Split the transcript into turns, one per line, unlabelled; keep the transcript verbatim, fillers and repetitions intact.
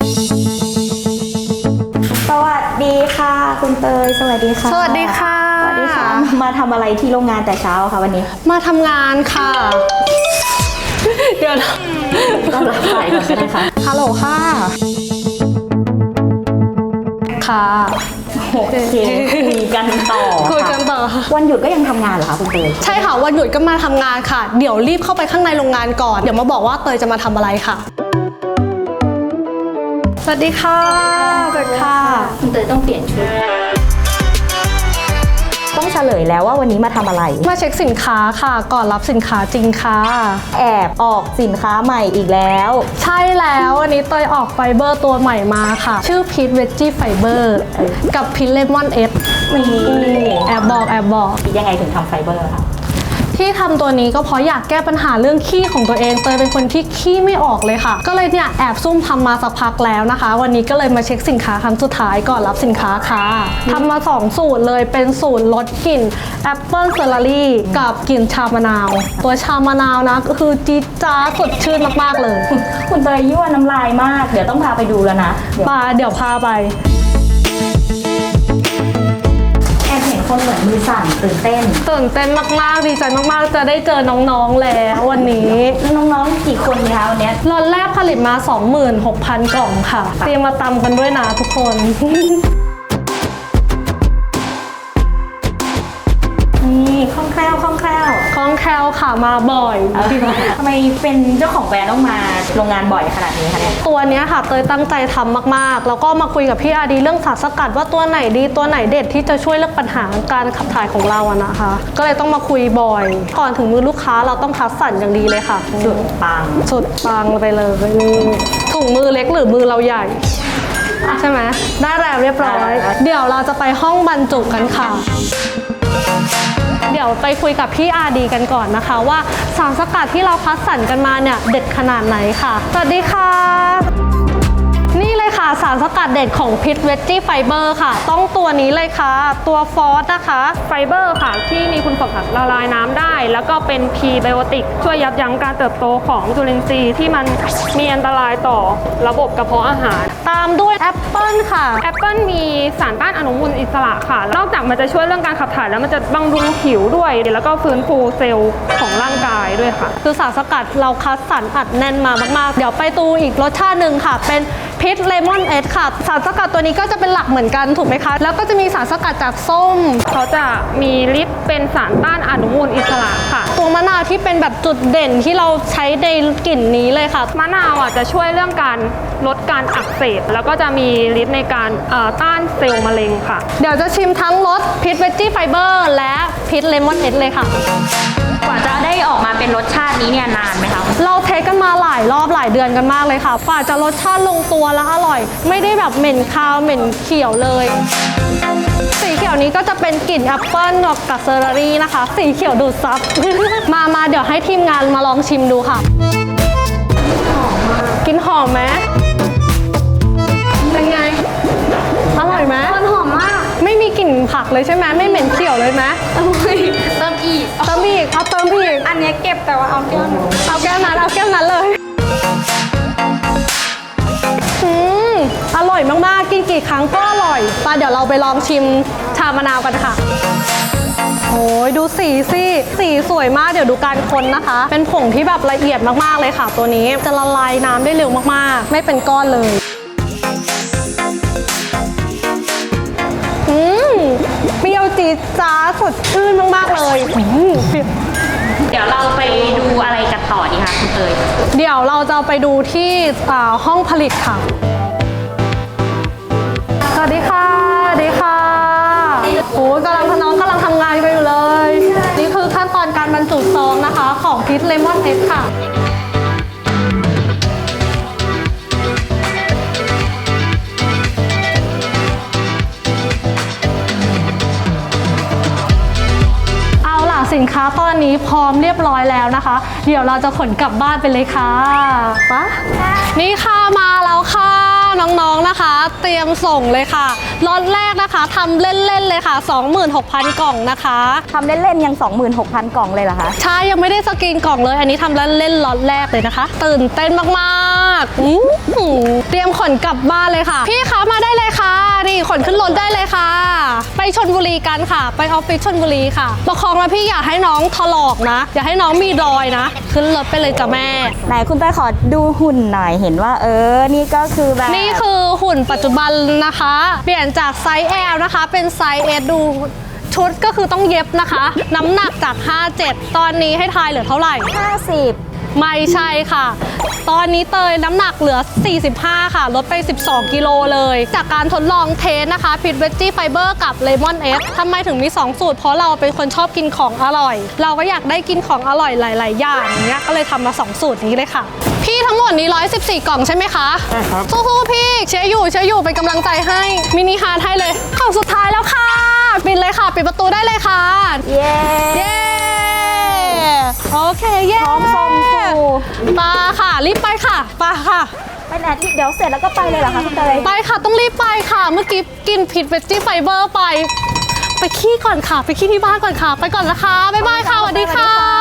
สวัสดีค่ะคุณเตยสวัสดีค่ะ
สวัสดีค่ะ
สวัสดีค่ะมาทำอะไรที่โรงงานแต่เช้าค่ะวันนี้
มาทำงานค่ะเดี๋ยวนะ
ก็รับสายก่อนก็ได้ค่ะ
ฮัลโหลค่ะค่ะ
โอเคคุยกันต่อ
คุยกันต่อ
วันหยุดก็ยังทำงานเหรอคะคุณเตย
ใช่ค่ะวันหยุดก็มาทำงานค่ะเดี๋ยวรีบเข้าไปข้างในโรงงานก่อนเดี๋ยวมาบอกว่าเตยจะมาทำอะไรค่ะสวัสดีค่ะสวัสดีค่ะ
คุณเตยต้องเปลี่ยนชุดต้องเฉลยแล้วว่าวันนี้มาทำอะไร
มาเช็คสินค้าค่ะก่อนรับสินค้าจริงค่ะ
แอบออกสินค้าใหม่อีกแล้ว
ใช่แล้ววันนี้เตยออกไฟเบอร์ตัวใหม่มาค่ะชื่อพีทเวจจี้ไฟเบอร์กับพีทเลมอนเอส
มี
แอบบอกแอบบอก
ยังไงถึงทำไฟเบอร์คะ
ที่ทำตัวนี้ก็เพราะอยากแก้ปัญหาเรื่องขี้ของตัวเองเตยเป็นคนที่ขี้ไม่ออกเลยค่ะก็เลยเนี่ยแอบซุ่มทำมาสักพักแล้วนะคะวันนี้ก็เลยมาเช็คสินค้าครั้งสุดท้ายก่อนรับสินค้าค่ะทำมาสองสูตรเลยเป็นสูตรลดกลิ่นแอปเปิลเซอร์รี่กับกลิ่นชามะนาวตัวชามะนาวนะก็คือจี๊ดจ๊าดสดชื่นมากๆเลย
คุณเตยยั่วน้ำลายมากเดี๋ยวต้องพาไปดูแล้วนะ
ปาเดี๋ยวพาไป
คนเหมือนมือสั่นตื่นเต้น
ตื่นเต้นมากๆดีใจมากๆจะได้เจอน้องๆแล้ววันนี้
แล้วน้องๆกี่คนคะวันนี้
ล็อตแรกผลิตมา สองหมื่นหกพัน กล่องค่ะเตรียมมาตำกันด้วยนะทุกคน
นี่คล่องแคล่วคล่องแคล่ว
คล่องแคล่วค่ะมาบ่อย
ทำไมเป็นเจ้าของแบรนด์ต้องมาโรงงานบ่อยขนาดนี้คะเนี่ย
ตัวนี้ค่ะเตยตั้งใจทำมากๆแล้วก็มาคุยกับพี่อาดีเรื่องสารสกัดว่าตัวไหนดีตัวไหนเด็ดที่จะช่วยเรื่องปัญหาการขับถ่ายของเราอะนะคะก็เลยต้องมาคุยบ่อยก่อนถึงมือลูกค้าเราต้องคัดสรรอย่างดีเลยค่ะ
สุดปัง
สุดปังไปเลยถุงมือเล็กหรือมือเราใหญ่ใช่ไหมได้แล้วเรียบร้อยเดี๋ยวเราจะไปห้องบรรจุกันค่ะเดี๋ยวไปคุยกับพี่อาดีกันก่อนนะคะว่าสารสกัดที่เราคัดสรรกันมาเนี่ยเด็ดขนาดไหนค่ะสวัสดีค่ะนี่เลยค่ะสารสกัดเด็ดของพิทเวจจี้ไฟเบอร์ค่ะต้องตัวนี้เลยค่ะตัวฟอสนะคะ
ไฟเบอร์ค่ะที่มีคุณสมบัติละลายน้ำได้แล้วก็เป็นพรีไบโอติกช่วยยับยั้งการเติบโตของจุลินทรีย์ที่มันมีอันตรายต่อระบบกระเพาะอาหาร
ตามด้วยแอปเปิลค่ะ
แอปเปิลมีสารต้านอนุมูลอิสระค่ะนอกจากมันจะช่วยเรื่องการขับถ่ายแล้วมันจะบำรุงผิวด้วยแล้วก็ฟื้นฟูเซลล์ของร่างกายด้วยค่ะ
คือสารสกัดเราคัดสรรอัดแน่นมามากๆเดี๋ยวไปตูอีกรสชาติหนึ่งค่ะเป็นพิทเลมอนเอสค่ะสารสกัดตัวนี้ก็จะเป็นหลักเหมือนกันถูกไหมคะแล้วก็จะมีสารสกัดจากส้ม
เขาจะมีฤทธิ์เป็นสารต้านอนุมูลอิสระค่ะ
ตัวมะนาวที่เป็นแบบจุดเด่นที่เราใช้ในกลิ่นนี้เลยค่ะ
มะนาวอ่ะจะช่วยเรื่องการลดการอักเสบแล้วก็จะมีฤทธิ์ในการต้านเซลล์มะเร็งค่ะ
เดี๋ยวจะชิมทั้งรสพิทเวจจี้ไฟเบอร์และพิทเลมอนเอสเลยค่ะ
กว่าจะได้ออกมาเป็นรสชาตินี้เนี่ยนานไหมคะ
เราเทสกันมาหลายรอบหลายเดือนกันมากเลยค่ะกว่าจะรสชาติลงตัวและอร่อยไม่ได้แบบเหม็นคาวเหม็นเขียวเลยสีเขียวนี้ก็จะเป็นกลิ่นแอปเปิ้ลกับเซอร์รี่นะคะสีเขียวดูดซับ มามาเดี๋ยวให้ทีมงานมาลองชิมดูค่ะกินหอมไหมเป็นไงอร่อยไหม
มันหอมมาก
ไม่มีกลิ่นผักเลยใช่ไหมไม่เหม็นเขียวเลยไหม
เติมอีก
เติมอีกเอาเติมอีก
อันนี้เก็บแต่ว่าเอาแก้ว
เอาแก้วนั้นเอาแก้วนั้นเลยอืมอร่อยมากๆกินกี่ครั้งก็อร่อยไปเดี๋ยวเราไปลองชิมชามะนาวกันค่ะโอ้ยดูสีสิสีสวยมากเดี๋ยวดูการคนนะคะเป็นผงที่แบบละเอียดมากๆเลยค่ะตัวนี้จะละลายน้ำได้เร็วมากๆไม่เป็นก้อนเลยอืมเปรี้ยวจี๊ดจ๊าดสดชื่นมากๆเลย
เดี๋ยวเราไปดูอะไรกันต่อดีคะคุณเตย
เดี๋ยวเราจะไปดูที่ห้องผลิตค่ะสวัสดีค่ะสวัสดีค่ะโอ้ยกำลังน้องกำลังทำงานไปอยู่เลยนี่คือขั้นตอนการบรรจุซองนะคะของพิทเลมอนเอสค่ะสินค้าตอนนี้พร้อมเรียบร้อยแล้วนะคะเดี๋ยวเราจะขนกลับบ้านไปเลยค่ะปะนี่ค่ะมาแล้วค่ะน้องๆนะคะเตรียมส่งเลยค่ะล็อตแรกนะคะทำเล่นๆเลยค่ะ สองหมื่นหกพัน กล่องนะคะ
ทำเล่นๆยัง สองหมื่นหกพัน กล่องเลยเหรอคะ
ใช่ยังไม่ได้สกรีนกล่องเลยอันนี้ทำเล่นๆล็อตแรกเลยนะคะ ตื่นเต้นมากๆอื้อหือเตรียมขนกลับบ้านเลยค่ะพี่คะมาได้เลยค่ะนี่ขนขึ้นรถได้เลยค่ะ ไปชลบุรีกันค่ะ ไปออฟฟิศชลบุรีค่ะประคองแล้วพี่อย่าให้น้องถลอกนะ อย่าให้น้องมีรอยนะ ขึ้นรถไปเลยจ้ะแม่
ไหนคุณเตยขอดูหุ่นหน่อยเห็นว่าเออนี่ก็คือแบบ
นี่คือหุ่นปัจจุบันนะคะ เปลี่ยนจากไซส์ L นะคะ เป็นไซส์ S ดูชุดก็คือต้องเย็บนะคะ น้ำหนักจาก ห้าสิบเจ็ด ตอนนี้ให้ทายเหลือเท่าไหร่
ห้าสิบ
ไม่ใช่ค่ะ ตอนนี้เตยน้ำหนักเหลือ สี่สิบห้า ค่ะ ลดไป สิบสอง กิโลเลย จากการทดลองเทสนะคะพิทเวจจี้ไฟเบอร์กับเลมอนเอสทำไมถึงมี สอง สูตร เพราะเราเป็นคนชอบกินของอร่อย เราก็อยากได้กินของอร่อยหลาย ๆ อย่างอย่างเงี้ย ก็เลยทำมา สอง สูตรนี้เลยค่ะ พี่ทั้งหมดนี้ หนึ่งร้อยสิบสี่ กล่องใช่ไหมคะ
ใช่ครับ
สู้ๆพี่เชียร์อยู่เชียร์อยู่เป็นกำลังใจให้ มินิฮาร์ทให้เลยกล่องสุดท้ายแล้วค่ะ ปิดเลยค่ะ ปิดประตูได้เลยค่ะ
เย้
เย้ โอเค เย้
พร้อมส่งครู
ปาค่ะ รีบไปค่ะปาค่ะ
ไปไหนที่เดี๋ยวเสร็จแล้วก็ไปเลยเหรอคะคุณเตย
ไปค่ะ ต้องรีบไปค่ะ เมื่อกี้กินผิดเวจจี้ไฟเบอร์ไป ไปขี้ก่อนค่ะ ไปขี้ที่บ้านก่อนค่ะ ไปก่อนนะคะ บ๊ายบายค่ะ สวัสดีค่ะ